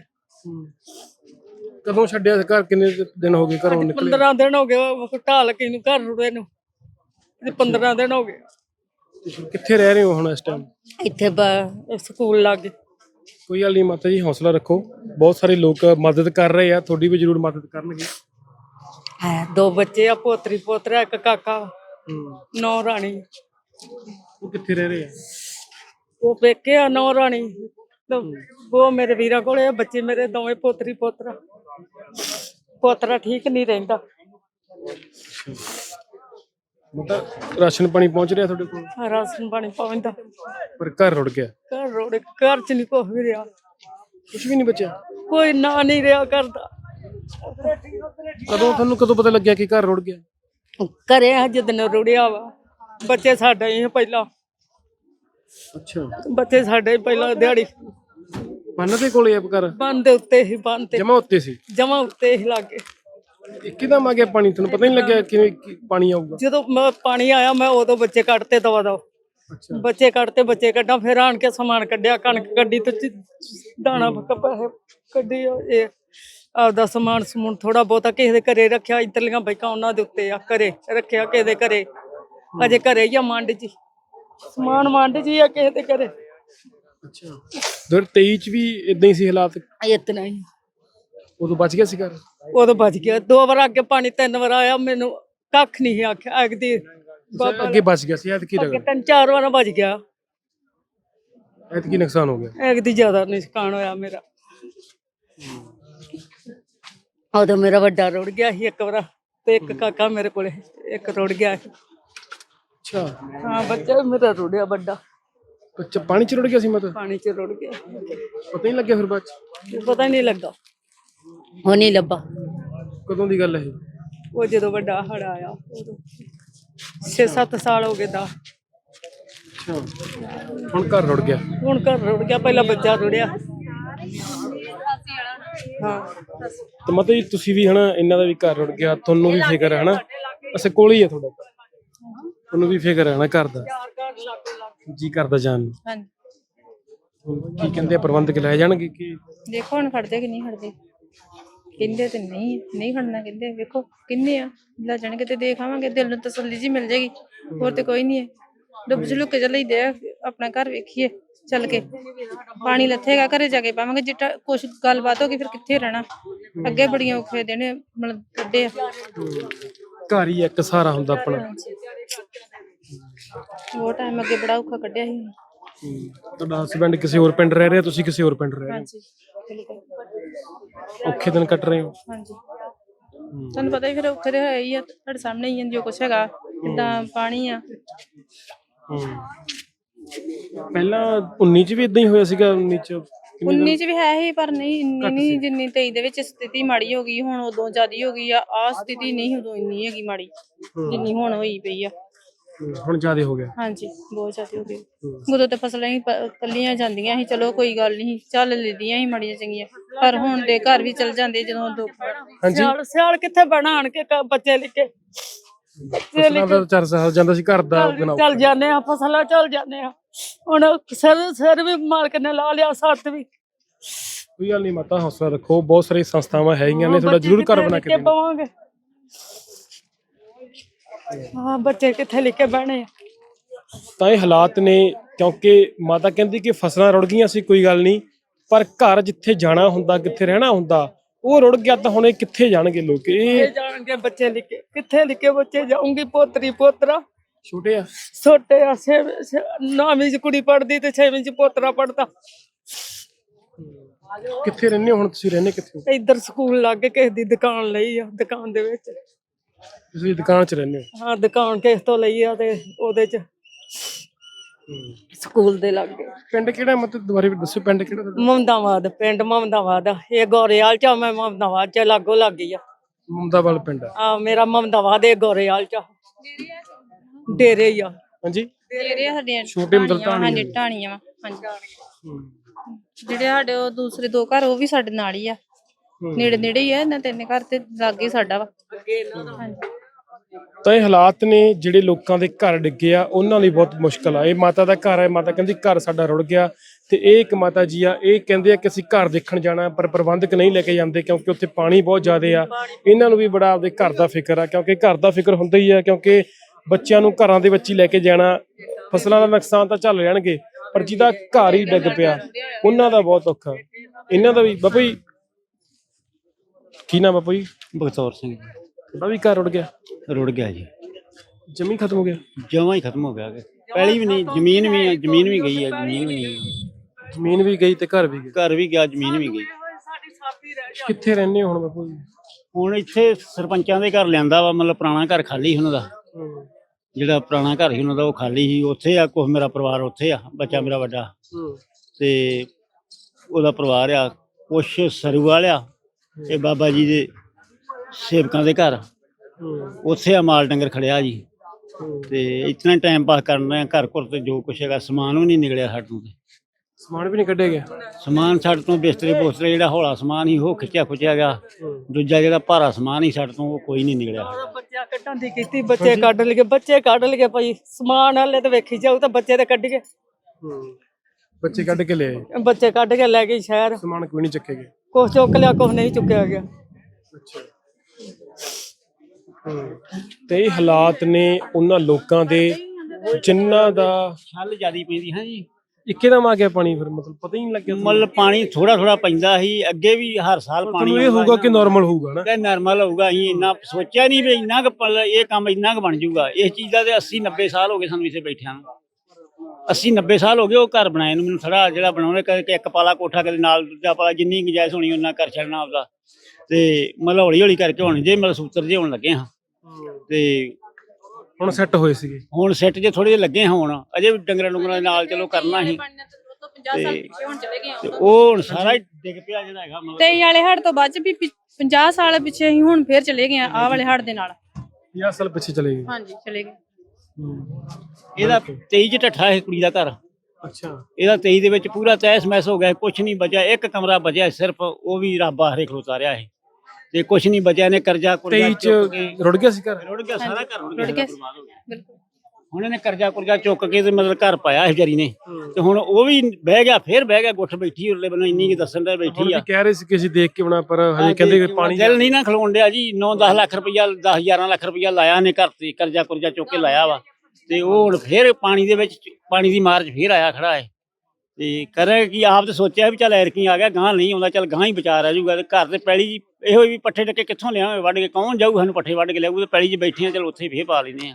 ਕਦੋਂ ਛੱਡਿਆ ਘਰ? ਕਿੰਨੇ ਦਿਨ ਹੋ ਗਏ ਘਰੋਂ ਨਿਕਲੇ?
ਪੰਦਰਾਂ ਦਿਨ ਹੋ ਗਏ ਢਾਲ ਕੇ ਨੂੰ ਘਰ ਰੁੜੇ ਨੂੰ, ਤੇ ਪੰਦਰਾਂ ਦਿਨ ਹੋ ਗਏ।
ਕਿੱਥੇ ਰਹਿ ਰਹੇ ਹੋ ਹੁਣ ਇਸ ਟਾਈਮ?
ਇੱਥੇ ਸਕੂਲ ਲੱਗ।
ਕੋਈ ਗੱਲ ਨਹੀਂ ਮਾਤਾ ਜੀ, ਹੌਸਲਾ ਰੱਖੋ, ਬਹੁਤ ਸਾਰੇ ਲੋਕ ਮਦਦ ਕਰ ਰਹੇ ਆ, ਤੁਹਾਡੀ ਵੀ ਜ਼ਰੂਰ ਮਦਦ ਕਰਨਗੇ।
ਹੈ ਦੋ ਬੱਚੇ ਆ, ਪੋਤਰੀ ਪੋਤਰਾ, ਇੱਕ ਕਾਕਾ, ਨੌ ਰਾਣੀ।
ਉਹ ਕਿੱਥੇ ਰਹਿ ਰਹੇ ਆ?
ਉਹ ਪੇਕੇ ਆ ਨੌ ਰਾਣੀ, ਉਹ ਮੇਰੇ ਵੀਰਾਂ ਕੋਲੇ ਆ। ਬੱਚੇ ਮੇਰੇ ਦੋਵੇਂ ਪੋਤਰੀ ਪੋਤਰਾ, ਪੋਤਰਾ ਠੀਕ ਨਹੀਂ ਰਹਿੰਦਾ।
ਮਤਲਬ ਰਾਸ਼ਨ ਪਾਣੀ ਪਹੁੰਚ ਰਿਹਾ ਤੁਹਾਡੇ ਕੋਲ?
ਰਾਸ਼ਨ ਪਾਣੀ ਪਾਉਂਦਾ,
ਪਰ ਘਰ ਰੁੜ ਗਿਆ?
ਘਰ ਰੋੜ, ਘਰ ਚ ਨਹੀਂ ਕੁਛ ਵੀ ਰਿਹਾ,
ਕੁਝ ਵੀ ਨਹੀਂ ਬਚਿਆ?
ਕੋਈ ਨਾਂ ਨਹੀਂ ਰਿਹਾ ਕਰਦਾ।
ਕਦੋਂ ਤੁਹਾਨੂੰ ਕਦੋਂ ਪਤਾ ਲੱਗਿਆ ਕਿ ਘਰ ਰੁੜ ਗਿਆ?
ਘਰੇ ਆ ਜਦੋਂ ਰੁੜਿਆ ਵਾ। ਬੱਚੇ ਸਾਡੇ ਹੀ ਪਹਿਲਾਂ,
ਅੱਛਾ,
ਬੱਚੇ ਸਾਡੇ ਪਹਿਲਾਂ ਦਿਹਾੜੀ
ਬੰਨ ਦੇ ਕੋਲੇ ਆ ਘਰ?
ਬੰਨ ਦੇ ਉੱਤੇ ਹੀ ਬੰਨ ਤੇ
ਜਮਾ ਉੱਤੇ ਸੀ?
ਜਮਾ ਉੱਤੇ ਹੀ ਲਾਗੇ।
ਇੱਕਦਮ ਆ ਗਿਆ ਪਾਣੀ, ਤੁਹਾਨੂੰ ਪਤਾ ਨਹੀਂ ਲੱਗਿਆ ਕਿਵੇਂ ਕੀ ਪਾਣੀ ਆਊਗਾ?
ਜਦੋਂ ਮੈਂ ਪਾਣੀ ਆਇਆ ਮੈਂ ਉਦੋਂ ਬੱਚੇ ਕੱਢਤੇ ਦਵਾ ਦਵ
ਅੱਛਾ।
ਬੱਚੇ ਕੱਢਤੇ ਬੱਚੇ ਕੱਢਾਂ ਫਿਰ ਆਣ ਕੇ ਸਮਾਨ ਕੱਢਿਆ, ਕਣਕ ਕੱਢੀ ਤੇ ਚ- ਦਾਣਾ ਪੱਕਾ ਪੈਸੇ ਕੱਢੀ। ਇਹ ਆਪਦਾ ਸਮਾਨ ਸਮੂਨ ਥੋੜਾ ਬਹੁਤਾ ਕਿਸੇ ਦੇ ਘਰੇ ਰੱਖਿਆ, ਇੱਧਰਲੀਆਂ ਬਾਈਕਾਂ ਉਹਨਾਂ ਦੇ ਉੱਤੇ ਆ, ਘਰੇ ਰੱਖਿਆ ਕਿਸੇ ਦੇ ਘਰੇ, ਅਜੇ ਘਰੇ ਹੀ ਆ ਮੰਡ ਜੀ, ਸਮਾਨ ਮੰਡ ਜੀ ਆ ਕਿਸੇ ਦੇ ਘਰੇ।
ਅੱਛਾ। ਦੋ ਹਜ਼ਾਰ ਤੇਈ ਚ ਵੀ ਇਦਾਂ ਹੀ ਸੀ ਹਾਲਾਤ?
ਇਤਨਾ ਹੀ
ਉਦੋਂ ਬਚ ਗਿਆ ਸੀ ਘਰ?
ਉਦੋਂ ਬਚ ਗਿਆ। ਦੋ ਵਾਰ ਅੱਗੇ ਪਾਣੀ ਤਿੰਨ ਵਾਰ ਆਇਆ, ਮੈਨੂੰ ਕੱਖ ਨਹੀਂ ਆਖਿਆ ਅਗਦੀ ਬਾਬਾ
ਅੱਗੇ ਬਚ ਗਿਆ ਸੀ? ਐਤਕੀ
ਅੱਗੇ
ਲਗਾ
ਤਿੰਨ ਚਾਰ ਵਾਰ ਬਚ ਗਿਆ,
ਐਤਕੀ ਨੁਕਸਾਨ ਹੋ ਗਿਆ?
ਐਗਦੀ ਜ਼ਿਆਦਾ ਨੁਕਸਾਨ ਹੋਇਆ ਮੇਰਾ। ਉਦੋਂ ਮੇਰਾ ਵੱਡਾ ਰੁੜ ਗਿਆ ਸੀ ਇੱਕ ਵਾਰ, ਤੇ ਇੱਕ ਕਾਕਾ ਮੇਰੇ ਕੋਲੇ ਇੱਕ ਰੁੜ ਗਿਆ ਸੀ।
ਅੱਛਾ।
ਹਾਂ ਬੱਚਾ ਮੇਰਾ ਰੁੜਿਆ ਵੱਡਾ,
ਅੱਛਾ ਪਾਣੀ ਚ ਰੁੜ ਗਿਆ ਸੀ ਮਤਲਬ?
ਪਾਣੀ ਚ ਰੁੜ ਗਿਆ,
ਪਤਾ ਨਹੀਂ ਲੱਗਿਆ ਫਿਰ ਬਾਅਦ ਚ?
ਪਤਾ ਹੀ ਨਹੀਂ ਲੱਗਾ, ਉਹ ਨਹੀਂ ਲੱਭਾ।
ਕਦੋਂ ਦੀ ਗੱਲ ਹੈ ਇਹ?
ਉਹ ਜਦੋਂ ਵੱਡਾ ਹੜ ਆਇਆ ਉਦੋਂ ਛੇ ਸੱਤ ਸਾਲ ਹੋ ਗਏ ਦਾ।
ਅੱਛਾ। ਹੁਣ ਘਰ ਰੁੜ ਗਿਆ?
ਹੁਣ ਘਰ ਰੁੜ ਗਿਆ, ਪਹਿਲਾਂ ਬੱਚਾ ਰੁੜਿਆ। ਹਾਂ
ਤੇ ਮਤਲਬ ਜੀ ਤੁਸੀਂ ਵੀ ਹਨਾ, ਇਹਨਾਂ ਦਾ ਵੀ ਘਰ ਰੁੜ ਗਿਆ, ਤੁਹਾਨੂੰ ਵੀ ਫਿਕਰ ਹੈ ਹਨਾ? ਅੱਛਾ ਕੋਲ ਹੀ ਹੈ ਤੁਹਾਡਾ, ਤੁਹਾਨੂੰ ਵੀ ਫਿਕਰ ਹੈ ਨਾ ਘਰ ਦਾ? ਜੀ ਕਰਦਾ ਜਾਣ ਨੂੰ।
ਹਾਂਜੀ
ਹੁਣ ਕੀ ਕਹਿੰਦੇ ਆ ਪ੍ਰਬੰਧਕ, ਲੈ ਜਾਣਗੇ ਕਿ?
ਦੇਖੋ ਹੁਣ ਖੜਦੇ ਕਿ ਨਹੀਂ ਖੜਦੇ, ਕਹਿੰਦੇ ਤੇ ਨਹੀਂ ਨਹੀਂ ਖੜਨਾ, ਕਹਿੰਦੇ ਵੇਖੋ ਕਿੰਨੇ ਆ ਲੈ ਜਾਣਗੇ ਤੇ ਦੇਖ ਆਵਾਂਗੇ, ਦਿਲ ਨੂੰ ਤਸੱਲੀ ਜੀ ਮਿਲ ਜਾਏਗੀ, ਹੋਰ ਤੇ ਕੋਈ ਨਹੀਂ ਹੈ। ਡੁੱਬ ਜਲੁੱਕ ਕੇ ਚਲੇ ਦੇ ਆਪਣਾ ਘਰ ਵੇਖੀਏ ਚੱਲ ਕੇ, ਪਾਣੀ ਲੱਥੇਗਾ ਘਰੇ ਜਾ ਕੇ ਪਾਵਾਂਗੇ, ਜਿੱਟਾ ਕੁਛ ਗੱਲਬਾਤ ਹੋ ਗਈ ਫਿਰ ਕਿੱਥੇ ਰਹਿਣਾ, ਅੱਗੇ ਬੜੀਆਂ ਔਖੇ ਦਿਨ ਮਤਲਬ ਕੱਢੇ ਆ।
ਘਰ ਹੀ ਇੱਕ ਸਹਾਰਾ ਹੁੰਦਾ ਆਪਣਾ।
ਉਹ ਟਾਈਮ ਅੱਗੇ ਬੜਾ ਔਖਾ ਕੱਢਿਆ ਸੀ।
ਹੂੰ। ਤੁਹਾਡਾ ਹਸਬੈਂਡ ਕਿਸੇ ਹੋਰ ਪਿੰਡ ਰਹਿ ਰਿਹਾ, ਤੁਸੀਂ ਕਿਸੇ ਹੋਰ ਪਿੰਡ ਰਹਿ ਰਹੇ
ਹਾਂਜੀ ਬਿਲਕੁਲ,
ਹੋ, ਔਖੇ ਦਿਨ ਕੱਟ ਰਹੇ ਹੋ?
ਹਾਂਜੀ ਤੁਹਾਨੂੰ ਪਤਾ ਹੀ ਫਿਰ ਔਖੇ ਤੇ ਹੋਇਆ ਹੀ ਆ, ਤੁਹਾਡੇ ਸਾਹਮਣੇ ਹੀ ਆ ਜੋ ਕੁਛ ਹੈਗਾ, ਕਿੱਦਾਂ ਪਾਣੀ ਆ।
ਹੂੰ। ਪਹਿਲਾਂ ਉੱਨੀ ਚ ਵੀ ਇਦਾਂ ਹੀ ਹੋਇਆ ਸੀਗਾ? ਉੱਨੀ ਚ
ਉੱਨੀ ਚ ਵੀ ਹੈ ਹੀ, ਪਰ ਨਹੀਂ ਇੰਨੀ ਨਹੀਂ ਜਿੰਨੀ ਤੇਈ ਦੇ ਵਿੱਚ ਸਥਿਤੀ ਮਾੜੀ ਹੋ ਗਈ, ਹੁਣ ਉਦੋਂ ਜ਼ਿਆਦੀ ਹੋ ਗਈ ਆ। ਆਹ ਸਥਿਤੀ ਨਹੀਂ ਉਦੋਂ ਇੰਨੀ ਹੈਗੀ ਮਾੜੀ ਜਿੰਨੀ ਹੁਣ ਹੋਈ ਪਈ ਆ।
ਹੁਣ ਜ਼ਿਆਦਾ ਹੋ ਗਿਆ?
ਹਾਂਜੀ ਬਹੁਤ ਜ਼ਿਆਦਾ ਹੋ ਗਈ। ਉਦੋਂ ਤਾਂ ਫਸਲਾਂ ਹੀ ਪ- ਕੱਲੀਆਂ ਜਾਂਦੀਆਂ ਸੀ, ਚਲੋ ਕੋਈ ਗੱਲ ਨਹੀਂ ਚੱਲ ਲੈਂਦੀਆਂ ਸੀ ਮਾੜੀਆਂ ਚੰਗੀਆਂ, ਪਰ ਹੁਣ ਦੇ ਘਰ ਵੀ ਚਲ ਜਾਂਦੇ ਜਦੋਂ ਦੁੱਖ।
ਸਿਆਲ ਸਿਆਲ ਕਿੱਥੇ ਬਣਾਣ ਕੇ ਕ- ਬੱਚੇ ਲਿਕੇ
ਫਸਲਾਂ ਦਾ ਚਾਰ ਸਾਲ ਜਾਂਦਾ ਸੀ ਘਰ ਦਾ ਬਿਨਾਂ।
ਚੱਲ ਜਾਂਦੇ ਆ, ਫਸਲਾਂ ਚੱਲ ਜਾਂਦੇ ਆ। ਹੁਣ ਸਿਰ ਸਿਰ ਵੀ ਮਾਲਕ ਨੇ ਲਾ ਲਿਆ, ਸੱਤ ਵੀ।
ਕੋਈ ਗੱਲ ਨਹੀਂ ਮਾਤਾ, ਹੌਸਲਾ ਰੱਖੋ, ਬਹੁਤ ਸਾਰੀ ਸੰਸਥਾਵਾਂ ਹੈਗੀਆਂ ਨੇ, ਤੁਹਾਡਾ ਜ਼ਰੂਰ ਘਰ ਬਣਾ ਕੇ ਦੇਣਾ।
ਪਾਵਾਂਗੇ ਹਾਂ, ਬੱਚੇ ਕਿੱਥੇ ਲਿਖੇ ਬਹਿਣੇ ਆ।
ਤਾਂ ਇਹ ਹਾਲਾਤ ਨੇ, ਕਿਉਂਕਿ ਮਾਤਾ ਕਹਿੰਦੀ ਕਿ ਫਸਲਾਂ ਰੁੜ ਗਈਆਂ ਸੀ, ਕੋਈ ਗੱਲ ਨਹੀਂ, ਪਰ ਘਰ ਜਿੱਥੇ ਜਾਣਾ ਹੁੰਦਾ, ਕਿੱਥੇ ਰਹਿਣਾ ਹੁੰਦਾ, ਉਹ ਰੁੜ ਗਿਆ। ਤਾਂ ਹੁਣ ਇਹ ਕਿੱਥੇ ਜਾਣਗੇ ਲੋਕ? ਇਹ
ਇਹ ਜਾਣਗੇ ਬੱਚੇ ਲਿਖੇ, ਕਿੱਥੇ ਲਿਖੇ ਬੱਚੇ ਜਾਊਂਗੀ, ਪੋਤਰੀ ਪੋਤਰਾ
ਛੋਟੇ ਆ?
ਛੋਟੇ ਆ, ਛੇ- ਛੇ- ਨੌਵੀਂ ਚ ਕੁੜੀ ਪੜਦੀ ਤੇ ਛੇਵੀਂ ਚ ਪੋਤਰਾ ਪੜਦਾ।
ਕਿੱਥੇ ਰਹਿੰਦੇ ਹੋ ਹੁਣ ਤੁਸੀਂ? ਰਹਿੰਦੇ ਕਿੱਥੇ ਹੋ?
ਇੱਧਰ ਸਕੂਲ ਲੱਗ ਕੇ ਕਿਸੇ ਦੀ ਦੁਕਾਨ ਲਈ ਆ, ਦੁਕਾਨ ਦੇ ਵਿੱਚ।
ਤੁਸੀਂ ਦੁਕਾਨ 'ਚ ਰਹਿੰਦੇ ਹੋ?
ਹਾਂ ਦੁਕਾਨ ਕਿਸੇ ਤੋਂ ਲਈ ਆ ਤੇ ਉਹਦੇ ਚ ਸਕੂਲ ਦੇ ਲੱਗੇ।
ਪਿੰਡ ਕਿਹੜਾ, ਮਤਲਬ ਦੁਬਾਰੇ ਵੀ ਦੱਸੋ, ਪਿੰਡ ਕਿਹੜਾ ਤੁਹਾਡਾ?
ਮਮਦਾਵਾਦ, ਪਿੰਡ ਮਮਦਾਵਾਦ ਆ। ਇਹ ਗੋਰੇਵਾਲ ਚ ਆ, ਮੈਂ ਮਮਦਾਵਾਦ ਚ ਲਾਗੋ ਲੱਗ ਗਈ ਆ।
ਮਮਦਾਵਾਲ ਪਿੰਡ ਆ?
ਆ ਮੇਰਾ ਮਮਦਾਵਾਦ ਇਹ ਗੋਰੇਵਾਲ ਚ ਆ। ਡੇਰੇ ਹੀ ਆ।
ਹਾਂਜੀ।
ਡੇਰੇ ਸਾਡੀਆਂ
ਛੋਟੇ ਮਤਲਬ
ਢਾਣੀਆਂ, ਹਾਂਜੀ ਢਾਣੀਆਂ ਵਾ। ਹਾਂਜੀ ਜਿਹੜੇ ਸਾਡੇ ਉਹ ਦੂਸਰੇ ਦੋ ਘਰ ਉਹ ਵੀ ਸਾਡੇ ਨਾਲ ਹੀ ਆ, ਨੇੜੇ ਨੇੜੇ ਹੀ ਆ। ਇਹਨਾਂ ਤਿੰਨ ਘਰ ਤੇ ਲਾਗੇ ਸਾਡਾ ਵਾ। ਹਾਂਜੀ
ਤਾਂ ਇਹ ਹਾਲਾਤ ਨੇ ਜਿਹੜੇ ਲੋਕਾਂ ਦੇ ਘਰ ਡਿੱਗੇ ਆ, ਉਹਨਾਂ ਲਈ ਬਹੁਤ ਮੁਸ਼ਕਲ ਆ। ਇਹ ਮਾਤਾ ਦਾ ਘਰ ਹੈ, ਮਾਤਾ ਕਹਿੰਦੀ ਘਰ ਸਾਡਾ ਰੁੜ ਗਿਆ। ਤੇ ਇਹ ਇੱਕ ਮਾਤਾ ਜੀ ਆ, ਇਹ ਕਹਿੰਦੇ ਆ ਕਿ ਅਸੀਂ ਘਰ ਦੇਖਣ ਜਾਣਾ, ਪਰ ਪ੍ਰਬੰਧਕ ਨਹੀਂ ਲੈ ਕੇ ਜਾਂਦੇ ਕਿਉਂਕਿ ਉੱਥੇ ਪਾਣੀ ਬਹੁਤ ਜ਼ਿਆਦਾ ਆ। ਇਹਨਾਂ ਨੂੰ ਵੀ ਬੜਾ ਆਪਦੇ ਘਰ ਦਾ ਫਿਕਰ ਆ, ਕਿਉਂਕਿ ਘਰ ਦਾ ਫਿਕਰ ਹੁੰਦਾ ਹੀ ਆ, ਕਿਉਂਕਿ ਬੱਚਿਆਂ ਨੂੰ ਘਰਾਂ ਦੇ ਵਿੱਚ ਹੀ ਲੈ ਕੇ ਜਾਣਾ। ਫਸਲਾਂ ਦਾ ਨੁਕਸਾਨ ਤਾਂ ਝੱਲ ਜਾਣਗੇ, ਪਰ ਜਿਹਦਾ ਘਰ ਹੀ ਡਿੱਗ ਪਿਆ ਉਹਨਾਂ ਦਾ ਬਹੁਤ ਔਖਾ। ਇਹਨਾਂ ਦਾ ਵੀ ਬਾਪੂ ਜੀ, ਕੀ ਨਾਮ ਬਾਪੂ ਜੀ?
ਬਗਤੌਰ ਸਿੰਘ
ਤੁਹਾਡਾ ਵੀ ਘਰ ਰੁੜ ਗਿਆ?
ਰੁੜ ਗਿਆ ਜੀ,
ਜਮੀ ਖਤਮ ਹੋ ਗਿਆ?
ਜਮਾਂ ਹੀ ਖਤਮ ਹੋ ਗਿਆ। ਪਹਿਲੀ ਵੀ ਨਹੀਂ, ਜ਼ਮੀਨ ਵੀ ਹੈ, ਜ਼ਮੀਨ ਵੀ ਗਈ ਹੈ, ਜ਼ਮੀਨ ਵੀ ਨਹੀਂ।
ਜ਼ਮੀਨ ਵੀ ਗਈ ਤੇ ਘਰ ਵੀ ਗਿਆ?
ਘਰ ਵੀ ਗਿਆ, ਜ਼ਮੀਨ ਵੀ ਗਈ।
ਕਿੱਥੇ ਰਹਿੰਦੇ ਹੋ ਹੁਣ ਬਾਪੂ ਜੀ?
ਹੁਣ ਇੱਥੇ ਸਰਪੰਚਾਂ ਦੇ ਘਰ ਲਿਆਂਦਾ ਵਾ, ਮਤਲਬ ਪੁਰਾਣਾ ਘਰ ਖਾਲੀ ਸੀ ਉਹਨਾਂ ਦਾ। ਜਿਹੜਾ ਪੁਰਾਣਾ ਘਰ ਸੀ ਉਹਨਾਂ ਦਾ ਉਹ ਖਾਲੀ ਸੀ, ਉੱਥੇ ਆ ਕੁਛ ਮੇਰਾ ਪਰਿਵਾਰ ਉੱਥੇ ਆ, ਬੱਚਾ ਮੇਰਾ ਵੱਡਾ ਤੇ ਉਹਦਾ ਪਰਿਵਾਰ ਆ, ਕੁਛ ਸਰੂ ਵਾਲਿਆ, ਇਹ ਬਾਬਾ ਜੀ ਦੇ ਸੇਵਕਾਂ ਦੇ ਘਰ, ਉੱਥੇ ਆ ਮਾਲ ਡੰਗਰ ਖੜਿਆ ਜੀ। ਤੇ ਇਤਨਾ ਟਾਈਮ ਪਾਸ ਕਰਨਾ ਘਰ ਘਰ ਤੇ ਜੋ ਕੁਛ ਹੈਗਾ, ਸਮਾਨ ਵੀ ਨਹੀਂ ਨਿਕਲਿਆ ਸਾਡੂ ਤੇ।
ਸਮਾਨ ਵੀ ਨਹੀਂ ਕੱਢਿਆ ਗਿਆ।
ਸਮਾਨ ਸਾਡੇ ਤੋਂ ਬਿਸਤਰੇ ਬੋਸਤਰੇ ਜਿਹੜਾ ਹੌਲਾ ਸਮਾਨ ਸੀ ਉਹ ਖਿੱਚਿਆ ਖੁੱਚਿਆ ਗਿਆ। ਦੂਜਾ ਜਿਹੜਾ ਭਾਰਾ ਸਮਾਨ ਸੀ ਸਾਡੇ ਤੋਂ ਉਹ ਕੋਈ ਨਹੀਂ ਨਿਕਲਿਆ।
ਬੱਚਿਆਂ ਕੱਢਣ ਦੀ ਕੀਤੀ, ਬੱਚੇ ਕੱਢ ਲਏ, ਬੱਚੇ ਕੱਢ ਲਏ ਭਾਈ। ਸਮਾਨ ਹਲੇ ਤੇ ਵੇਖੀ ਜਾਊ ਤਾਂ ਬੱਚੇ ਤੇ ਕੱਢ ਗਏ।
ਬੱਚੇ ਕੱਢ ਕੇ ਲਿਆਏ,
ਬੱਚੇ ਕੱਢ ਕੇ ਲੈ ਗਏ ਸ਼ਹਿਰ।
ਸਮਾਨ ਕੋਈ ਨਹੀਂ ਚੱਕੇ ਗਏ।
ਕੁਛ ਚੁੱਕ ਲਿਆ, ਕੁਛ ਨਹੀਂ ਚੁੱਕਿਆ ਗਿਆ।
ਅੱਛਾ। ਤੇ ਇਹ ਹਾਲਾਤ ਨੇ ਉਹਨਾਂ ਲੋਕਾਂ ਦੇ ਜਿਨ੍ਹਾਂ ਦਾ
ਛੱਲ ਜਿਆਦੀ ਪੈਂਦੀ ਹਾਂ ਜੀ।
ਇੱਕੇ ਦਮ ਆ ਗਿਆ ਪਾਣੀ, ਫਿਰ ਮਤਲਬ ਪਤਾ ਹੀ ਨਹੀਂ ਲੱਗਿਆ।
ਮਤਲਬ ਪਾਣੀ ਥੋੜਾ ਥੋੜਾ ਪੈਂਦਾ ਸੀ ਅੱਗੇ ਵੀ, ਹਰ ਸਾਲ ਪਾਣੀ
ਇਹ ਹੋਊਗਾ ਕਿ ਨਾਰਮਲ ਹੋਊਗਾ ਨਾ।
ਤੇ ਨਾਰਮਲ ਹੋਊਗਾ। ਅਸੀਂ ਇੰਨਾ ਸੋਚਿਆ ਨਹੀਂ ਵੀ ਇੰਨਾ ਕੁ ਪਲ- ਇਹ ਕੰਮ ਇੰਨਾ ਕੁ ਬਣ ਜਾਊਗਾ। ਇਸ ਚੀਜ਼ ਦਾ ਤੇ ਅੱਸੀ ਨੱਬੇ ਸਾਲ ਹੋ ਗਏ ਸਾਨੂੰ ਇੱਥੇ ਬੈਠਿਆਂ ਨੂੰ। ਅੱਸੀ ਨੱਬੇ ਸਾਲ ਹੋ ਗਏ ਉਹ ਘਰ ਬਣਾਏ ਨੂੰ। ਮੈਨੂੰ ਥੜਾ ਜਿਹੜਾ ਬਣਾਉਣੇ ਕਰਕੇ ਇੱਕ ਪਾਲਾ ਕੋਠਾ ਕਦੇ ਨਾਲ ਦੂਜਾ ਪਾਲਾ, ਜਿੰਨੀ ਗੁੰਜਾਇਸ਼ ਹੋਣੀ ਉਹਨਾਂ ਕਰ ਛੱਡਣਾ ਆਪਦਾ। ਤੇ ਮਤਲਬ ਹੌਲੀ ਹੌਲੀ ਕਰਕੇ ਹੁਣ ਜੇ ਮਤਲਬ ਸੂਤਰ ਜੇ ਹੋਣ ਲੱਗੇ ਹਾਂ। ਤੇ
ਹੁਣ ਸੈੱਟ ਹੋਏ ਸੀਗੇ।
ਹੁਣ ਸੈੱਟ ਜੇ ਥੋੜੇ ਜਿਹੇ ਲੱਗੇ ਹੋਣ, ਅਜੇ ਵੀ ਡੰਗਰਾਂ ਡੁੰਗਰਾਂ ਦੇ ਨਾਲ ਚਲੋ ਕਰਨਾ ਸੀ।
ਪੰਜਾਹ ਸਾਲ ਪਿੱਛੇ ਹੁਣ ਚਲੇ ਗਏ
ਤੇ ਉਹ ਹੁਣ ਸਾਰਾ ਹੀ ਡਿੱਗ ਪਿਆ ਜਿਹੜਾ ਹੈਗਾ ਮਤਲਬ।
ਤੇਈ ਵਾਲੇ ਹੜ ਤੋਂ ਬਾਅਦ ਚ ਵੀ ਪੰਜਾਹ ਸਾਲ ਪਿੱਛੇ ਅਸੀਂ ਹੁਣ ਫੇਰ ਚਲੇ ਗਏ ਆ ਆਹ ਵਾਲੇ ਹੜ ਦੇ ਨਾਲ।
ਪੰਜਾਹ ਸਾਲ ਪਿੱਛੇ ਚਲੇ ਗਏ।
ਹਾਂਜੀ ਚਲੇ ਗਏ।
ਇਹਦਾ ਤੇਈ ਚ ਢੱਠਾ ਹੈ ਕੁੜੀ ਦਾ ਘਰ।
ਅੱਛਾ।
ਇਹਦਾ ਤੇਈ ਦੇ ਵਿੱਚ ਪੂਰਾ ਤਹਿਸ ਮਹਿਸ ਹੋ ਗਿਆ। ਕੁਛ ਨਹੀਂ ਬਚਿਆ, ਇੱਕ ਕਮਰਾ ਬਚਿਆ ਸਿਰਫ, ਉਹ ਵੀ ਰੱਬ ਆਹਰੇ ਖਲੋਤਾ ਰਿਹਾ ਹੈ। ਤੇ ਕੁਛ ਨਹੀਂ ਬਚਿਆ। ਇਹਨੇ ਕਰਜ਼ਾ ਕੁਰਜ਼ਾ
ਤੇਈ ਚ ਰੁੜ ਗਿਆ ਸੀ ਘਰ।
ਰੁੜ ਗਿਆ, ਸਾਰਾ ਘਰ ਰੁੜ
ਰੁੜ
ਗਿਆ,
ਗਿਆ।
ਬਰਬਾਦ ਹੋ ਗਿਆ।
ਬਿਲਕੁਲ।
ਹੁਣ ਇਹਨੇ ਕਰਜ਼ਾ ਕੁਰਜ਼ਾ ਚੁੱਕ ਕੇ ਤੇ ਮਤਲਬ ਘਰ ਪਾਇਆ ਇਸ ਵਿਚਾਰੀ ਨੇ। ਤੇ ਹੁਣ ਉਹ ਵੀ ਬਹਿ ਗਿਆ, ਫੇਰ ਬਹਿ ਗਿਆ, ਗੁੱਠ ਬੈਠੀ ਉਰਲੇ ਬੰਨੋਂ ਇੰਨੀ ਕੀ ਦੱਸਣ ਦਾ
ਹੁਣ
ਬੈਠੀ
ਵੀ
ਆ।
ਕਹਿ ਰਹੇ ਸੀ ਕਿ ਅਸੀਂ ਦੇਖ ਕੇ ਬਣਾ, ਪਰ ਹਜੇ ਕਹਿੰਦੇ ਕਿ ਪਾਣੀ
ਦਿਲ ਨਹੀਂ ਨਾ ਖਲੋਣ ਡਿਆ ਜੀ। ਨੌ ਦਸ ਲੱਖ ਰੁਪਈਆ, ਦਸ ਗਿਆਰਾਂ ਲੱਖ ਰੁਪਈਆ ਲਾਇਆ ਨੇ ਘਰ ਤੇ, ਕਰਜ਼ਾ ਕੁਰਜ਼ਾ ਚੁੱਕ ਕੇ ਲਾਇਆ ਵਾ। ਤੇ ਉਹ ਹੁਣ ਫੇਰ ਪਾਣੀ ਦੇ ਵਿੱਚ, ਪਾਣੀ ਦੀ ਮਾਰ 'ਚ ਫੇਰ ਆਇਆ ਖੜਾ ਹੈ। ਤੇ ਕਰੇ ਕਿ ਆਪ ਤੇ ਸੋਚਿਆ ਵੀ ਚੱਲ ਐਰਕੀ ਆ ਗਿਆ, ਗਾਂ ਨਹੀਂ ਆਉਂਦਾ, ਚੱਲ ਗਾਂ ਹੀ ਵਿਚਾਰ ਆ ਜਾਊਗਾ। ਤੇ ਘਰ ਤੇ ਪੈਲੀ ਜੀ ਇਹੋ ਵੀ ਪੱਠੇ ਟੱਕੇ ਕਿੱਥੋਂ ਲਿਆਵੇਂ ਵੱਢ ਕੇ, ਕੌਣ ਜਾਊ ਸਾਨੂੰ ਪੱਠੇ ਵੱਢ ਕੇ ਲਿਆਊ। ਤੇ ਪੈਲੀ 'ਚ ਬੈਠੇ ਆ, ਚਲ ਉੱਥੇ ਫੇਰ ਪਾ ਲੈਨੇ ਆ।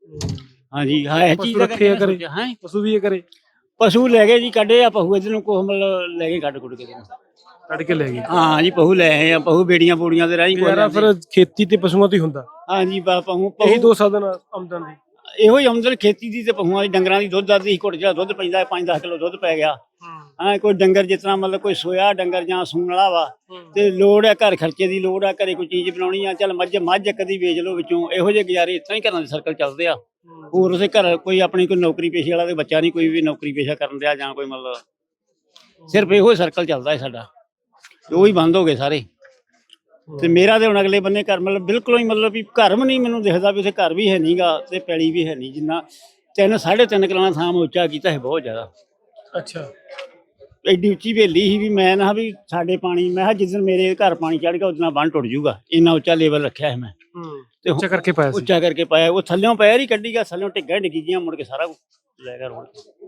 ਹਾਂਜੀ ਹਾਂ, ਇਹ ਚੀਜ਼
ਰੱਖੇ ਆ ਕਰੇ।
ਹੈ
ਪਸ਼ੂ ਵੀ ਇਹ ਕਰੇ।
ਪਸ਼ੂ ਲੈ ਗਏ ਜੀ, ਕੱਢੇ ਆ ਪਹੂ ਇਧਰ ਨੂੰ, ਕੋਹ ਮਤਲਬ ਲੈ ਗਏ ਕੱਢ ਕੁੱਢ ਕੇ।
ਕੱਢ ਕੇ ਲੈ ਗਏ।
ਹਾਂ ਜੀ, ਪਹੂ ਲੈ ਆਏ ਆ। ਪਹੂ ਬੇੜੀਆਂ ਬੂੜੀਆਂ ਦੇ ਰਾਹੀਂ
ਯਾਰਾ ਫਿਰ ਖੇਤੀ ਤੇ ਪਸ਼ੂਆਂ ਤੋਂ ਹੀ ਹੁੰਦਾ।
ਹਾਂਜੀ ਪਹੂ
ਇਹੀ
ਪਹੂ
ਦੋ ਸਾਧਨ ਆ ਆਮਦਨ ਦੀ।
ਇਹੋ ਹੀ ਆਮਦਨ ਖੇਤੀ ਦੀ ਤੇ ਪਹੂਆਂ ਦੀ, ਡੰਗਰਾਂ ਦੀ। ਦੁੱਧ ਦੱਧ ਦੀ ਘੁੱਟ ਜਿਹੜਾ ਦੁੱਧ ਪੈਂਦਾ ਪੰਜ ਦਸ ਕਿਲੋ ਦੁੱਧ ਪੈ ਗਿਆ। ਹਾਂ, ਕੋਈ ਡੰਗਰ ਜਿਸ ਤਰ੍ਹਾਂ ਮਤਲਬ ਕੋਈ ਸੋਇਆ ਡੰਗਰ ਜਾਂ ਸੂਣ ਵਾਲਾ ਵਾ, ਤੇ ਲੋੜ ਹੈ ਘਰ ਖਰਚੇ ਦੀ, ਲੋੜ ਹੈ ਘਰੇ ਕੋਈ ਚੀਜ਼ ਬਣਾਉਣੀ ਆ, ਚੱਲ ਮੱਝ ਮੱਝ ਕਦੀ ਵੇਚ ਲਓ ਵਿੱਚੋਂ। ਇਹੋ ਜਿਹੇ ਗੁਜ਼ਾਰੇ ਇਸ ਤਰ੍ਹਾਂ ਹੀ ਘਰਾਂ ਦੇ ਸਰਕਲ ਚੱਲਦੇ ਆ। ਹੋਰ ਉਸੇ ਘਰ ਕੋਈ ਆਪਣੀ ਕੋਈ ਨੌਕਰੀ ਪੇਸ਼ੇ ਵਾਲਾ ਤੇ ਬੱਚਾ ਨਹੀਂ ਕੋਈ ਵੀ ਨੌਕਰੀ ਪੇਸ਼ਾ ਕਰਨ ਦਿਆ ਜਾਂ ਕੋਈ, ਮਤਲਬ ਸਿਰਫ ਇਹੋ ਸਰਕਲ ਚੱਲਦਾ ਹੈ ਸਾਡਾ। ਉਹ ਹੀ ਬੰਦ ਹੋ ਗਏ ਸਾਰੇ। ਤੇ ਮੇਰਾ ਤੇ ਹੁਣ ਅਗਲੇ ਬੰਨੇ ਘਰ ਮਤਲਬ ਬਿਲਕੁਲ ਹੀ, ਮਤਲਬ ਵੀ ਘਰ ਵੀ ਨਹੀਂ ਮੈਨੂੰ ਦਿਖਦਾ ਵੀ ਉੱਥੇ ਘਰ ਵੀ ਹੈ ਨਹੀਂਗਾ ਤੇ ਪੈਲੀ ਵੀ ਹੈ ਨਹੀਂ। ਜਿੰਨਾ ਤਿੰਨ ਸਾਢੇ ਤਿੰਨ ਕਿੱਲਾ ਥਾਂ ਮੈਂ ਉੱਚਾ ਕੀਤਾ ਹੈ, ਬਹੁਤ ਜ਼ਿਆਦਾ।
ਅੱਛਾ।
ਐਡੀ ਉੱਚੀ ਹਵੇਲੀ ਸੀ ਵੀ ਮੈਂ ਨਾ ਵੀ ਸਾਡੇ ਪਾਣੀ, ਮੈਂ ਕਿਹਾ ਜਿਸ ਦਿਨ ਮੇਰੇ ਘਰ ਪਾਣੀ ਚੜ ਗਿਆ ਉਦੋਂ ਬੰਨ ਟੁੱਟ ਜਾਊਗਾ। ਇੰਨਾ ਉੱਚਾ ਲੈਵਲ ਰੱਖਿਆ ਹੈ ਮੈਂ।
ਤੇ ਉੱਚਾ ਕਰਕੇ ਪਾਇਆ ਸੀ।
ਉੱਚਾ ਕਰਕੇ ਪਾਇਆ। ਉਹ ਥੱਲਿਓਂ ਪੈਰ ਹੀ ਕੱਢੀ ਗਿਆ, ਥੱਲਿਓਂ ਢਿੱਗਾ ਡਿੱਗੀ ਗਿਆ, ਮੁੜ ਕੇ ਸਾਰਾ ਕੁਝ ਲੈ ਗਿਆ ਰੋੜ।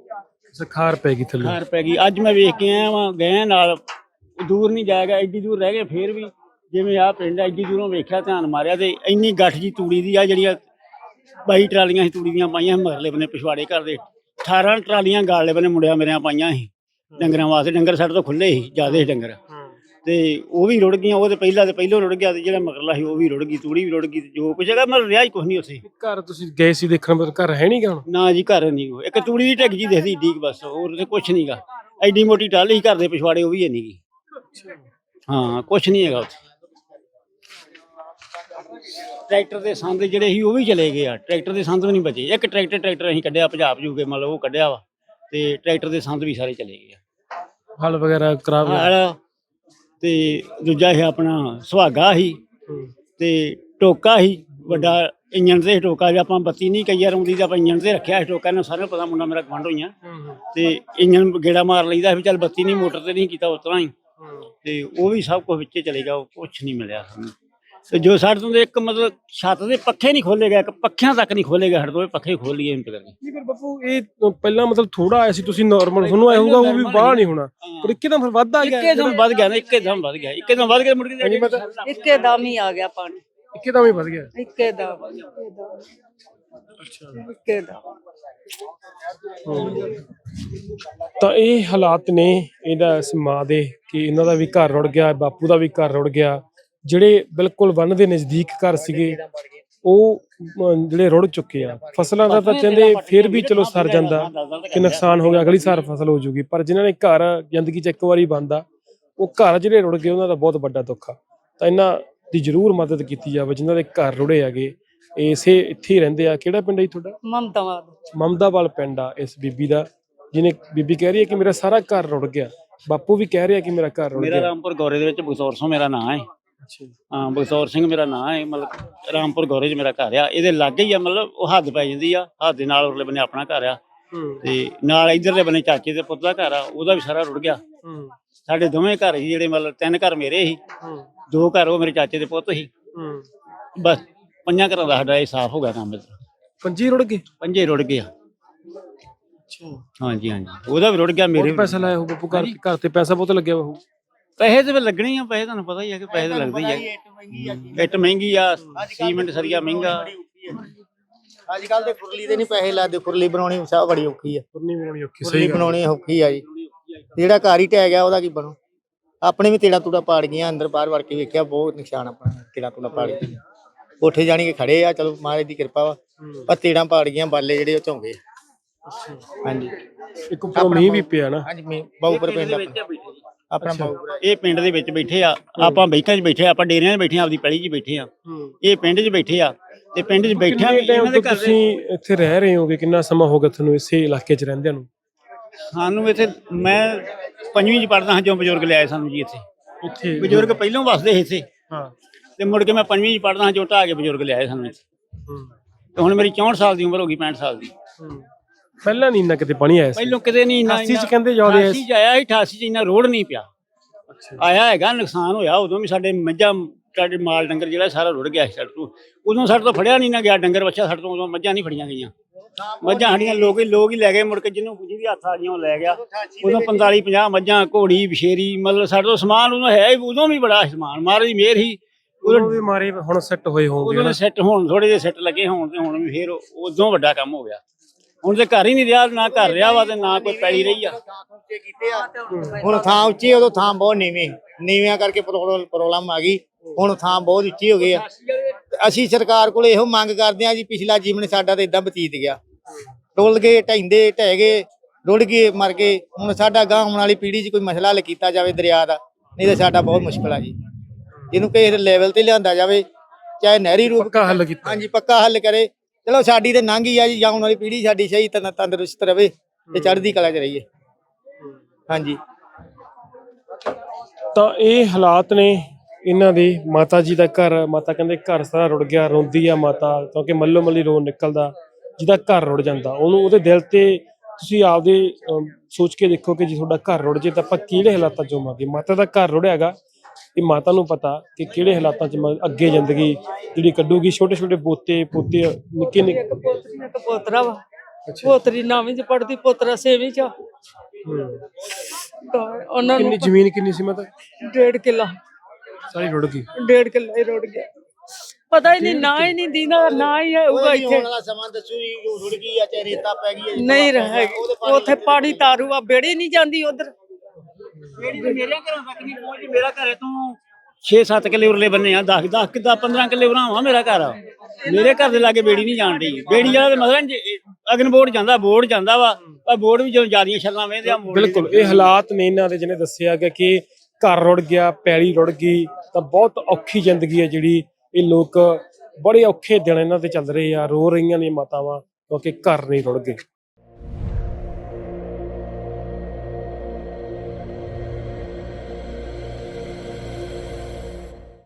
ਖਾਰ ਪੈ ਗਈ ਥੱਲੇ।
ਖਾਰ ਪੈ ਗਈ। ਅੱਜ ਮੈਂ ਵੇਖ ਕੇ ਆਇਆ ਵਾਂ, ਗਏ ਨਾਲ, ਦੂਰ ਨਹੀਂ ਜਾਏਗਾ, ਐਡੀ ਦੂਰ ਰਹਿ ਗਏ ਫੇਰ ਵੀ। ਜਿਵੇਂ ਆਹ ਪਿੰਡ ਐਡੀ ਦੂਰੋਂ ਵੇਖਿਆ, ਧਿਆਨ ਮਾਰਿਆ ਤੇ ਇੰਨੀ ਗੱਠ ਜੀ ਤੂੜੀ ਦੀ ਆ, ਜਿਹੜੀਆਂ ਬਾਈ ਟਰਾਲੀਆਂ ਸੀ ਤੂੜੀ ਦੀਆਂ ਪਾਈਆਂ ਮਗਰਲੇ ਬੰਨੇ ਪਿਛਵਾੜੇ ਘਰ ਦੇ। ਅਠਾਰਾਂ ਟਰਾਲੀਆਂ ਗਾਲੇ ਬੰਨੇ ਮੁੰਡਿਆਂ ਮੇਰਿਆਂ ਪਾਈਆਂ ਸੀ ਡੰਗਰਾਂ ਵਾਸਤੇ। ਡੰਗਰ ਸਾਡੇ ਤੋਂ ਖੁੱਲੇ ਸੀ, ਜ਼ਿਆਦਾ ਸੀ ਡੰਗਰ। ਤੇ ਉਹ ਵੀ ਰੁੜ ਗਈਆਂ। ਉਹ ਤੇ ਪਹਿਲਾਂ ਤੇ ਪਹਿਲੋਂ ਰੁੜ ਗਿਆ, ਤੇ ਜਿਹੜਾ ਮਗਰਲਾ ਸੀ ਉਹ ਵੀ ਰੁੜ ਗਈ, ਤੂੜੀ ਵੀ ਰੁੜ ਗਈ। ਜੋ ਕੁਛ ਹੈਗਾ ਮਤਲਬ ਰਿਹਾ ਹੀ ਕੁਛ ਨਹੀਂ ਉੱਥੇ।
ਘਰ ਤੁਸੀਂ ਗਏ ਸੀ ਦੇਖਣ, ਪਰ ਘਰ ਹੈ ਨਹੀਂ ਗਾ ਹੁਣ।
ਨਾ ਜੀ, ਘਰ ਨਹੀਂ। ਉਹ ਇੱਕ ਤੂੜੀ ਦੀ ਢਿੱਗ ਜੀ ਦਿਖਦੀ ਡੀਕ, ਬਸ। ਹੋਰ ਉੱਥੇ ਕੁਛ ਨਹੀਂ ਗਾ। ਐਡੀ ਮੋਟੀ ਟਾਹਲੀ ਸੀ ਘਰ ਦੇ ਪਿਛਵਾੜੇ, ਉਹ ਵੀ ਹੈ ਨਹੀਂ ਗੀ। ਹਾਂ, ਕੁਛ ਨਹੀਂ ਹੈਗਾ ਉੱਥੇ। ਟਰੈਕਟਰ ਦੇ ਸੰਦ ਜਿਹੜੇ ਸੀ ਉਹ ਵੀ ਚਲੇ ਗਏ ਆ। ਟਰੈਕਟਰ ਦੇ ਸੰਦ ਵੀ ਨਹੀਂ ਬਚੇ। ਇੱਕ ਟਰੈਕਟਰ ਟਰੈਕਟਰ ਅਸੀਂ ਕੱਢਿਆ, ਪੰਜਾਬ ਜੂ ਕੇ ਮਤਲਬ ਉਹ ਕੱਢਿਆ ਵਾ। ਤੇ ਟਰੈਕਟਰ ਦੇ ਸੰਦ ਵੀ ਸਾਰੇ ਚਲੇ ਗਏ ਆ।
ਹਲ ਵਗੈਰਾ ਖਰਾਬ ਹੈ।
ਹਲ ਤੇ ਦੂਜਾ ਇਹ ਆਪਣਾ ਸੁਹਾਗਾ ਸੀ, ਤੇ ਟੋਕਾ ਸੀ ਵੱਡਾ। ਇੰਜਣ ਤੇ ਟੋਕਾ, ਜੇ ਆਪਾਂ ਬੱਤੀ ਨਹੀਂ ਕਈ ਵਾਰ ਆਉਂਦੀ ਤਾਂ ਆਪਾਂ ਇੰਜਣ ਤੇ ਰੱਖਿਆ ਸੀ ਟੋਕਾ। ਇਹਨਾਂ ਸਾਰਿਆਂ ਨੂੰ ਪਤਾ, ਮੁੰਡਾ ਮੇਰਾ ਗਵਾਂਢ ਹੋਈਆਂ। ਤੇ ਇੰਜਣ ਗੇੜਾ ਮਾਰ ਲਈਦਾ ਵੀ ਚੱਲ ਬੱਤੀ ਨਹੀਂ, ਮੋਟਰ ਤੇ ਨਹੀਂ ਕੀਤਾ ਉਸ ਤਰ੍ਹਾਂ ਹੀ। ਤੇ ਉਹ ਵੀ ਸਭ ਕੁਝ ਵਿੱਚੇ ਚਲੇ ਗਿਆ, ਉਹ ਕੁਛ ਨਹੀਂ ਮਿਲਿਆ ਸਾਨੂੰ। ਤੇ ਜੋ ਸਾਡੇ ਤੋਂ ਇੱਕ ਮਤਲਬ ਛੱਤ ਦੇ ਪੱਖੇ ਨਹੀਂ ਖੋਲੇ ਗਏ, ਇੱਕ ਪੱਖਿਆਂ ਤੱਕ ਨਹੀਂ ਖੋਲੇ ਗਏ ਸਾਡੇ ਤੋਂ। ਪੱਖੇ ਖੋਲ ਲਈਏ ਇੰਤ ਕਰਕੇ।
ਨਹੀਂ ਪਰ ਬਾਪੂ ਇਹ ਪਹਿਲਾਂ ਮਤਲਬ ਥੋੜਾ ਆਇਆ ਸੀ, ਤੁਸੀਂ ਨਾਰਮਲ ਤੁਹਾਨੂੰ ਆਇਆ ਹੋਊਗਾ, ਉਹ ਵੀ ਬਾਹਰ ਨਹੀਂ ਹੋਣਾ। ਪਰ ਇੱਕਦਮ ਫਿਰ ਵੱਧ ਆ ਗਿਆ।
ਇੱਕਦਮ ਵੱਧ ਗਿਆ ਨਾ, ਇੱਕਦਮ ਵੱਧ ਗਿਆ, ਇੱਕਦਮ ਵੱਧ ਗਿਆ। ਮੁੜ ਕੇ
ਇੱਕੇ ਦਮ ਹੀ ਆ ਗਿਆ ਪਾਣੀ,
ਇੱਕਦਮ ਹੀ ਵੱਧ ਗਿਆ।
ਇੱਕੇ ਦਮ।
ਅੱਛਾ।
ਇੱਕੇ ਦਮ।
ਤਾਂ ਇਹ ਹਾਲਾਤ ਨੇ ਇਹਦਾ ਇਸ ਮਾਂ ਦੇ, ਕਿ ਇਹਨਾਂ ਦਾ ਵੀ ਘਰ ਰੁੜ ਗਿਆ, ਬਾਪੂ ਦਾ ਵੀ ਘਰ ਰੁੜ ਗਿਆ। ਜਿਹੜੇ ਬਿਲਕੁਲ ਬੰਨ ਦੇ ਨਜ਼ਦੀਕ ਘਰ ਸੀਗੇ ਉਹ ਅਮ, ਜਿਹੜੇ ਰੁੜ ਚੁੱਕੇ ਆ। ਫਸਲਾਂ ਦਾ ਤਾਂ ਕਹਿੰਦੇ ਫਿਰ ਵੀ ਚਲੋ ਸਰ ਜਾਂਦਾ ਕਿ ਨੁਕਸਾਨ ਹੋ ਗਿਆ, ਅਗਲੀ ਸਾਲ ਫਸਲ ਹੋ ਜੂਗੀ। ਪਰ ਜਿਨ੍ਹਾਂ ਨੇ ਘਰ ਜ਼ਿੰਦਗੀ 'ਚ ਇੱਕ ਵਾਰੀ ਬਣਦਾ, ਉਹ ਘਰ ਜਿਹੜੇ ਰੁੜ ਗਏ ਉਹਨਾਂ ਦਾ ਬਹੁਤ ਵੱਡਾ ਦੁੱਖ ਆ। ਤਾਂ ਇਹਨਾਂ ਦੀ ਜ਼ਰੂਰ ਮਦਦ ਕੀਤੀ ਜਾਵੇ ਜਿਨ੍ਹਾਂ ਦੇ ਘਰ ਰੁੜੇ ਹੈਗੇ। ਇਸੇ ਇੱਥੇ ਹੀ ਰਹਿੰਦੇ ਆ। ਕਿਹੜਾ ਪਿੰਡ ਹੈ ਤੁਹਾਡਾ?
ਮਮਤਾਵਾਦ।
ਮਮਦਾਵਾਲ ਪਿੰਡ ਆ ਇਸ ਬੀਬੀ ਦਾ, ਜਿਹਨੇ ਬੀਬੀ ਕਹਿ ਰਹੀ ਹੈ ਕਿ ਮੇਰਾ ਸਾਰਾ ਘਰ ਰੁੜ ਗਿਆ, ਬਾਪੂ ਵੀ ਕਹਿ ਰਿਹਾ ਕਿ ਮੇਰਾ ਘਰ ਰੁੜ
ਮੇਰਾ
ਗਿਆ।
ਰਾਮਪੁਰ ਗੌਰੇ ਦੇ ਵਿੱਚ ਬਗਸੌਰ ਸਿੰਘ ਮੇਰਾ ਨਾਂ ਹੈ।
ਅੱਛਾ ਜੀ।
ਹਾਂ ਬਗਸੌਰ ਸਿੰਘ ਮੇਰਾ ਨਾਂ ਹੈ, ਮਤਲਬ ਰਾਮਪੁਰ ਗੌਰੇ 'ਚ ਮੇਰਾ ਘਰ ਆ। ਇਹਦੇ ਲਾਗੇ ਹੀ ਆ, ਮਤਲਬ ਉਹ ਹੱਦ ਪੈ ਜਾਂਦੀ ਆ, ਹੱਦ ਦੇ ਨਾਲ ਉਰਲੇ ਬੰਨੇ ਆਪਣਾ ਘਰ ਆ
ਹੂੰ
ਤੇ ਨਾਲ ਇਧਰਲੇ ਬੰਨੇ ਚਾਚੇ ਦੇ ਪੁੱਤ ਦਾ ਘਰ ਆ, ਉਹਦਾ ਵੀ ਸਾਰਾ ਰੁੜ ਗਿਆ।
ਹੂੰ
ਸਾਡੇ ਦੋਵੇਂ ਘਰ ਸੀ ਜਿਹੜੇ, ਮਤਲਬ ਤਿੰਨ ਘਰ ਮੇਰੇ ਸੀ,
ਹੂੰ
ਦੋ ਘਰ ਉਹ ਮੇਰੇ ਚਾਚੇ ਦੇ ਪੁੱਤ ਸੀ।
ਹੂੰ
ਬਸ ਪੰਜਾਂ ਘਰਾਂ ਦਾ ਸਾਡਾ ਇਹ ਸਾਫ਼ ਹੋ ਗਿਆ ਕੰਮ। ਇੱਧਰ
ਪੰਜੀ ਰੁੜ ਗਏ।
ਪੰਜੇ ਰੁੜ ਗਏ ਆ।
ਅੱਛਾ,
ਹਾਂਜੀ ਹਾਂਜੀ ਉਹਦਾ ਵੀ ਰੁੜ ਗਿਆ, ਮੇਰੇ
ਬਹੁਤ
ਵੀ।
ਪੈਸਾ ਲਾਇਆ ਹੋ ਬਾਪੂ ਘਰ ਘਰ ਤੇ, ਪੈਸਾ ਬਹੁਤ ਲੱਗਿਆ ਬਾਪੂ।
ਪੈਸੇ ਤੇ ਫਿਰ ਲੱਗਣੇ ਹੀ ਆ, ਪੈਸੇ ਤੁਹਾਨੂੰ ਪਤਾ ਹੀ ਆ ਕਿ ਪੈਸੇ ਤਾਂ ਲੱਗਦੇ ਹੀ ਆ। ਇੱਟ ਮਹਿੰਗੀ ਆ, ਸੀਮੈਂਟ ਸਰੀਆ ਮਹਿੰਗਾ।
ਅੱਜ ਕੱਲ ਤੇ ਫੁਰਲੀ ਦੇ ਨਹੀਂ ਪੈਸੇ ਲੱਗਦੇ, ਫੁਰਲੀ ਬਣਾਉਣੀ ਸਭ ਬੜੀ ਔਖੀ ਆ।
ਫੁਰਨੀ ਬਣਾਉਣੀ ਔਖੀ,
ਫੁਰਲੀ
ਸਹੀ ਗੱਲ।
ਬਣਾਉਣੀ ਔਖੀ ਆ ਜੀ। ਜਿਹੜਾ ਘਰ ਹੀ ਟਹਿ ਗਿਆ ਉਹਦਾ ਕੀ ਬਣੂ। ਆਪਣੇ ਵੀ ਤੇੜਾ ਤੂੜਾ ਪਾੜ ਗਈਆਂ, ਅੰਦਰ ਬਾਹਰ ਵੜ ਕੇ ਵੇਖਿਆ ਬਹੁਤ ਨੁਕਸਾਨ ਆਪਣਾ, ਤੇੜਾ ਤੂੜਾ ਪਾੜ ਗਈਆਂ। ਕੋਠੇ ਜਾਣੀ ਕੇ ਖੜੇ ਆ, ਚਲੋ ਮਹਾਰਾਜ ਦੀ ਕਿਰਪਾ ਵਾ, ਪਰ ਤੇੜਾਂ ਪਾੜ ਗਈਆਂ, ਬਾਲੇ ਜਿਹੜੇ ਉਹ ਝੋਂਗੇ। ਹਾਂਜੀ
ਇੱਕ ਉੱਪਰੋਂ ਮੀਂਹ ਵੀ ਪਿਆ ਨਾ।
ਹਾਂਜੀ ਮੀਂਹ ਬਾਊਪਰ ਪਿੰਡ ਆਪਣਾ ਆਪਣਾ ਬਾਊਪਰ।
ਇਹ ਪਿੰਡ ਦੇ ਵਿੱਚ ਬੈਠੇ ਆ, ਆਪਾਂ ਬੈਕਾਂ 'ਚ ਬੈਠੇ ਆ, ਆਪਾਂ ਡੇਰਿਆਂ 'ਚ ਬੈਠੇ ਆ, ਆਪਦੀ ਪੈਲੀ 'ਚ ਬੈਠੇ ਆ। ਇਹ ਪਿੰਡ 'ਚ ਬੈਠੇ ਆ ਤੇ ਪਿੰਡ 'ਚ ਬੈਠਿਆਂ ਵੀ ਇਹਨਾਂ ਦੇ ਘਰ ਦੇ।
ਤੁਸੀਂ ਇੱਥੇ ਰਹਿ ਰਹੇ ਹੋਗੇ, ਕਿੰਨਾ ਸਮਾਂ ਹੋ ਗਿਆ ਤੁਹਾਨੂੰ ਇਸੇ ਇਲਾਕੇ 'ਚ ਰਹਿੰਦਿਆਂ ਨੂੰ?
ਸਾਨੂੰ ਇੱਥੇ, ਮੈਂ ਪੰਜਵੀਂ 'ਚ ਪੜ੍ਹਦਾ ਹਾਂ ਜਦੋਂ ਬਜ਼ੁਰਗ ਲਿਆਏ ਸਾਨੂੰ ਜੀ ਇੱਥੇ।
ਇੱਥੇ
ਬਜ਼ੁਰਗ ਪਹਿਲਾਂ ਵਸਦੇ ਸੀ ਇੱਥੇ,
ਹਾਂ,
ਤੇ ਮੁੜ ਕੇ ਮੈਂ ਪੰਜਵੀਂ 'ਚ ਪੜ੍ਹਦਾ ਹਾਂ ਜੋ ਢਾਹ ਕੇ ਬਜ਼ੁਰਗ ਲਿਆਏ ਸਾਨੂੰ ਇੱਥੇ।
ਹੂੰ
ਤੇ ਹੁਣ ਮੇਰੀ ਚੌਂਹਠ ਸਾਲ ਦੀ ਉਮਰ ਹੋ ਗਈ, ਪੈਂਹਠ ਸਾਲ ਦੀ।
ਹੂੰ ਪਹਿਲਾਂ ਨਹੀਂ ਇੰਨਾ ਕਿਤੇ ਪਾਣੀ ਆਇਆ ਸੀ?
ਪਹਿਲੋਂ ਕਿਤੇ ਨਹੀਂ ਇੰਨਾ।
ਅਠਾਸੀ 'ਚ ਕਹਿੰਦੇ ਜ਼ਿਆਦਾ ਆਇਆ ਸੀ।
ਅਠਾਸੀ 'ਚ ਆਇਆ ਸੀ, ਅਠਾਸੀ 'ਚ ਇੰਨਾ ਰੋਡ ਨਹੀਂ ਪਿਆ।
ਅੱਛਾ
ਆਇਆ ਹੈਗਾ, ਨੁਕਸਾਨ ਹੋਇਆ ਉਦੋਂ ਵੀ। ਸਾਡੇ ਮੱਝਾਂ, ਸਾਡੇ ਮਾਲ ਡੰਗਰ ਜਿਹੜਾ ਸਾਰਾ ਰੁੜ ਗਿਆ ਸੀ ਸਾਡੇ ਤੋਂ। ਉਦੋਂ ਸਾਡੇ ਤੋਂ ਫੜਿਆ ਨਹੀਂ ਨਾ ਗਿਆ ਡੰਗਰ ਬੱਚਾ, ਸਾਡੇ ਤੋਂ ਉਦੋਂ ਮੱਝਾਂ ਨਹੀਂ ਫੜੀਆਂ ਗਈਆਂ। ਮੱਝਾਂ ਸਾਡੀਆਂ ਲੋਕ ਹੀ ਲੋਕ ਹੀ ਲੈ ਗਏ, ਮੁੜ ਕੇ ਜਿਹਨੂੰ ਜਿਹਦੀ ਹੱਥ ਆ ਗਈਆਂ ਉਹ ਲੈ ਗਿਆ। ਉਦੋਂ ਪੰਤਾਲੀ ਪੰਜਾਹ ਮੱਝਾਂ, ਘੋੜੀ, ਬਸ਼ੇਰੀ, ਮਤਲਬ ਸਾਡੇ ਤੋਂ ਸਮਾਨ ਉਦੋਂ ਹੈ ਹੀ, ਉਦੋਂ ਵੀ ਬੜਾ ਸਮਾਨ, ਮਹਾਰਾਜ ਦੀ ਮਿਹਰ ਹੀ।
ਉਦੋਂ ਵੀ ਮਾਰੇ ਹੁਣ ਸੈੱਟ ਹੋਏ ਹੋਣਗੇ
ਉਦੋਂ
ਨਾ।
ਸੈੱਟ ਹੋਣ, ਥੋੜੇ ਜਿਹੇ ਸੈੱਟ ਲੱਗੇ ਹੋਣ ਤੇ ਹੁਣ ਵੀ ਫੇਰ ਉਦੋਂ ਵੱਡਾ ਕੰਮ ਹੋ ਗਿਆ। ਹੁਣ ਤੇ ਘਰ ਹੀ ਨਹੀਂ ਰਿਹਾ, ਨਾ ਘਰ ਰਿਹਾ ਵਾ ਤੇ ਨਾ ਕੋਈ ਪੈਲੀ ਰਹੀ ਆ।
ਹੁਣ ਥਾਂ ਉੱਚੀ, ਉਦੋਂ ਥਾਂ ਬਹੁਤ ਨੀਵੀਂ, ਨੀਵਿਆਂ ਕਰਕੇ ਪ੍ਰੋਬਲਮ ਆ ਗਈ। ਹੁਣ ਥਾਂ ਬਹੁਤ ਉੱਚੀ ਹੋ ਗਈ ਆ। ਅਸੀਂ ਸਰਕਾਰ ਕੋਲ ਇਹੋ ਮੰਗ ਕਰਦੇ ਆ ਜੀ, ਪਿਛਲਾ ਜੀਵਨ ਸਾਡਾ ਤਾਂ ਇਦਾਂ ਬਤੀਤ ਗਿਆ, ਟੁੱਲ ਗਏ, ਢਹਿੰਦੇ ਢਹਿ ਗਏ, ਰੁੜ ਗਏ, ਮਰ ਗਏ। ਹੁਣ ਸਾਡਾ ਗਾਂ ਆਉਣ ਵਾਲੀ ਪੀੜ੍ਹੀ 'ਚ ਕੋਈ ਮਸਲਾ ਹੱਲ ਕੀਤਾ ਜਾਵੇ ਦਰਿਆ ਦਾ, ਨਹੀਂ ਤਾਂ ਸਾਡਾ ਬਹੁਤ ਮੁਸ਼ਕਲ ਆ ਜੀ। ਇਹਨੂੰ ਕਿਸੇ ਲੈਵਲ ਤੇ ਲਿਆਂਦਾ ਜਾਵੇ, ਚਾਹੇ ਨਹਿਰੀ ਰੂਪ।
ਪੱਕਾ ਹੱਲ ਕੀਤਾ।
ਹਾਂਜੀ ਪੱਕਾ ਹੱਲ ਕਰੇ। ਚਲੋ ਸਾਡੀ ਤੇ ਲੰਘ ਹੀ ਆ ਜੀ, ਆਉਣ ਵਾਲੀ ਪੀੜ੍ਹੀ ਸਾਡੀ ਸਹੀ ਤੰਦ ਤੰਦਰੁਸਤ ਰਵੇ ਤੇ ਚੜ੍ਹਦੀ ਕਲਾ 'ਚ ਰਹੀਏ। ਹਾਂਜੀ
ਤਾਂ ਇਹ ਹਾਲਾਤ ਨੇ ਇਹਨਾਂ ਦੇ। ਮਾਤਾ ਜੀ ਦਾ ਘਰ, ਮਾਤਾ ਕਹਿੰਦੇ ਘਰ ਸਾਰਾ ਰੁੜ ਗਿਆ, ਰੋਂਦੀ ਆ ਮਾਤਾ, ਕਿਉਂਕਿ ਮੱਲੋ ਮੱਲੀ ਰੋਣ ਨਿਕਲਦਾ ਜਿਹਦਾ ਘਰ ਰੁੜ ਜਾਂਦਾ। ਉਹਨੂੰ ਉਹਦੇ ਦਿਲ ਤੇ ਤੁਸੀਂ ਆਪਦੇ ਅਮ, ਸੋਚ ਕੇ ਦੇਖੋ ਕਿ ਜੇ ਤੁਹਾਡਾ ਘਰ ਰੁੜ ਜੇ ਤਾਂ ਆਪਾਂ ਕਿਹੜੇ ਹਾਲਾਤਾਂ 'ਚ ਹੋਵਾਂਗੇ। ਮਾਤਾ ਦਾ ਘਰ ਰੁੜਿਆ ਹੈਗਾ, ਇਹ ਮਾਤਾ ਨੂੰ ਪਤਾ ਕਿ ਕਿਹੜੇ ਹਾਲਾਤਾਂ 'ਚ ਮ- ਅੱਗੇ ਜ਼ਿੰਦਗੀ ਜਿਹੜੀ ਕੱਢੂਗੀ। ਛੋਟੇ ਛੋਟੇ ਪੋਤੇ ਪੋਤੇ ਨਿੱਕੇ ਨਿੱਕੇ।
ਇੱਕ ਪੋਤਰੀ ਇੱਕ ਪੋਤਰਾ ਵਾ। ਪੋਤਰੀ ਨੌਵੀਂ 'ਚ ਪੜ੍ਹਦੀ, ਪੋਤਰਾ ਛੇਵੀਂ 'ਚ ਆ। ਤਾਂ ਉਹਨਾਂ ਨੂੰ
ਕਿੰਨੀ ਜ਼ਮੀਨ ਕਿੰਨੀ ਸੀ ਮਾਤਾ?
ਡੇਢ ਕਿੱਲਾ,
ਸਾਰੀ ਰੁੜ ਗਈ।
ਡੇਢ ਕਿੱਲਾ ਹੀ ਰੁੜ ਗਿਆ। ਪਤਾ ਹੀ ਨਹੀਂ, ਨਾ ਹੀ ਨਹੀਂ ਦੀਨਾ, ਨਾ ਹੀ ਹੋਊਗਾ ਇੱਥੇ।
ਆਉਣ ਵਾਲਾ ਸਮਾਂ ਦੱਸੂ ਜੀ, ਉਹ ਰੁੜ ਗਈ ਆ ਚਾਹੇ ਰੇਤਾ ਪੈ ਗਈ ਆ।
ਨਹੀਂ ਰਹੇਗੀ ਉੱਥੇ, ਪਾਣੀ ਤਾਰੂ ਆ, ਬੇੜੀ ਨਹੀਂ ਜਾਂਦੀ ਉਧਰ।
ਮੇਰੀ ਤੇ ਮੇਰੇ ਘਰੋਂ ਤੱਕ ਨਹੀਂ ਪਹੁੰਚੀ। ਮੇਰਾ ਘਰੇ ਤੋਂ ਛੇ ਸੱਤ ਕਿੱਲੇ ਉਰਲੇ ਬੰਨੇ ਆ, ਦਸ ਦਸ ਕਿੱਦਾਂ ਪੰਦਰਾਂ ਕਿੱਲੇ ਬਣਾਵਾ ਮੇਰਾ ਘਰ ਆ। ਮੇਰੇ ਘਰ ਦੇ ਲਾਗੇ ਬੇੜੀ ਨਹੀਂ ਜਾਣ ਡਈ। ਬੇੜੀ ਵਾਲਾ ਤੇ ਮਤਲਬ ਅਗਨ ਬੋਰਡ ਜਾਂਦਾ, ਬੋਰਡ ਜਾਂਦਾ ਵਾ, ਪਰ ਬੋਰਡ ਵੀ ਜਦੋਂ ਜਿਆਦੀਆਂ ਛੱਲਾਂ ਵੇਂਦੇ ਆ।
ਬਿਲਕੁਲ ਇਹ ਹਾਲਾਤ ਨੇ ਇਹਨਾਂ ਦੇ, ਜਿਹਨੇ ਦੱਸਿਆ ਗਿਆ ਕਿ ਘਰ ਰੁੜ ਗਿਆ, ਪੈਲੀ ਰੁੜ ਗਈ। ਤਾਂ ਬਹੁਤ ਔਖੀ ਜ਼ਿੰਦਗੀ ਹੈ ਜਿਹੜੀ ਇਹ ਲੋਕ, ਬੜੇ ਔਖੇ ਦਿਨ ਇਹਨਾਂ ਦੇ ਚੱਲ ਰਹੇ ਆ। ਰੋ ਰਹੀਆਂ ਨੇ ਮਾਤਾਵਾਂ ਕਿਉਂਕਿ ਘਰ ਨਹੀਂ ਰੁੜ ਗਏ।